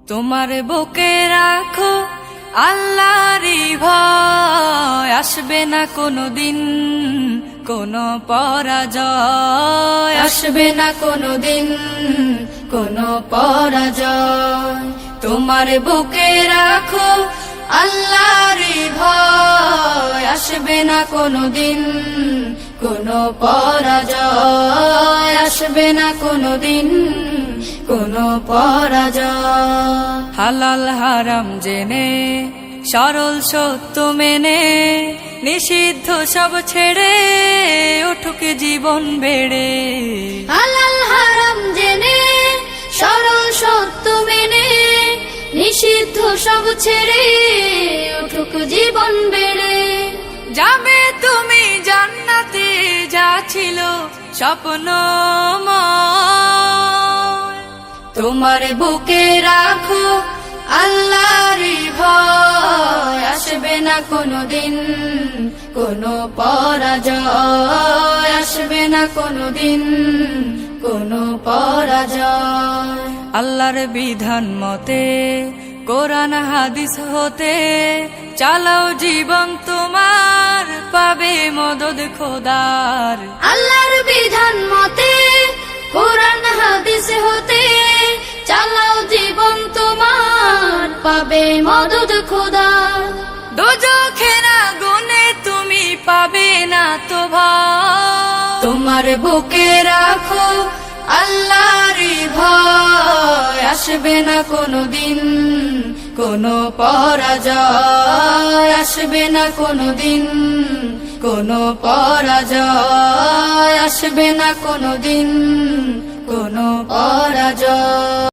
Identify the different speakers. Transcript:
Speaker 1: তোমার বুকে রাখো আল্লাহরই ভয়, আসবে না কোনোদিন কোনো পরাজয়, আসবে না কোনোদিন কোনো পরাজয়। তোমার বুকে রাখো আল্লাহরই ভয়, আসবে না কোনোদিন কোনো পরাজয়, আসবে না কোনোদিন কোনো পরাজয়। হালাল হারাম জেনে সরল সত্য মেনে নিষিদ্ধ সব ছেড়ে উঠুক জীবন বেড়ে।
Speaker 2: হালাল হারাম জেনে সরল সত্য মেনে নিষিদ্ধ সব ছেড়ে উঠুক জীবন বেড়ে।
Speaker 1: যাবে তুমি জান্নাতে, যা ছিল স্বপ্নময়। তোমার বুকে রাখো আল্লাহরই ভয়, আসবে না কোনোদিন কোনো পরাজয়, আসবে না কোনোদিন কোনো পরাজয়। আল্লাহর বিধান মতে কোরআন হাদিস হতে চালাও জীবন তোমার, পাবে মদদ খোদার।
Speaker 2: আল্লাহর বিধান মতে কোরআন হাদিস হতে চালাও জীবন তোমার, পাবে মদদ খোদার।
Speaker 1: দোজখের আগুনে তুমি পাবে না তো ভয়। তোমার বুকে রাখো আল্লাহরই ভয়, আসবে না কোনোদিন কোনো পরাজয়, আসবে না কোনোদিন কোনো পরাজয়, আসবে না কোনোদিন কোনো পরাজয়।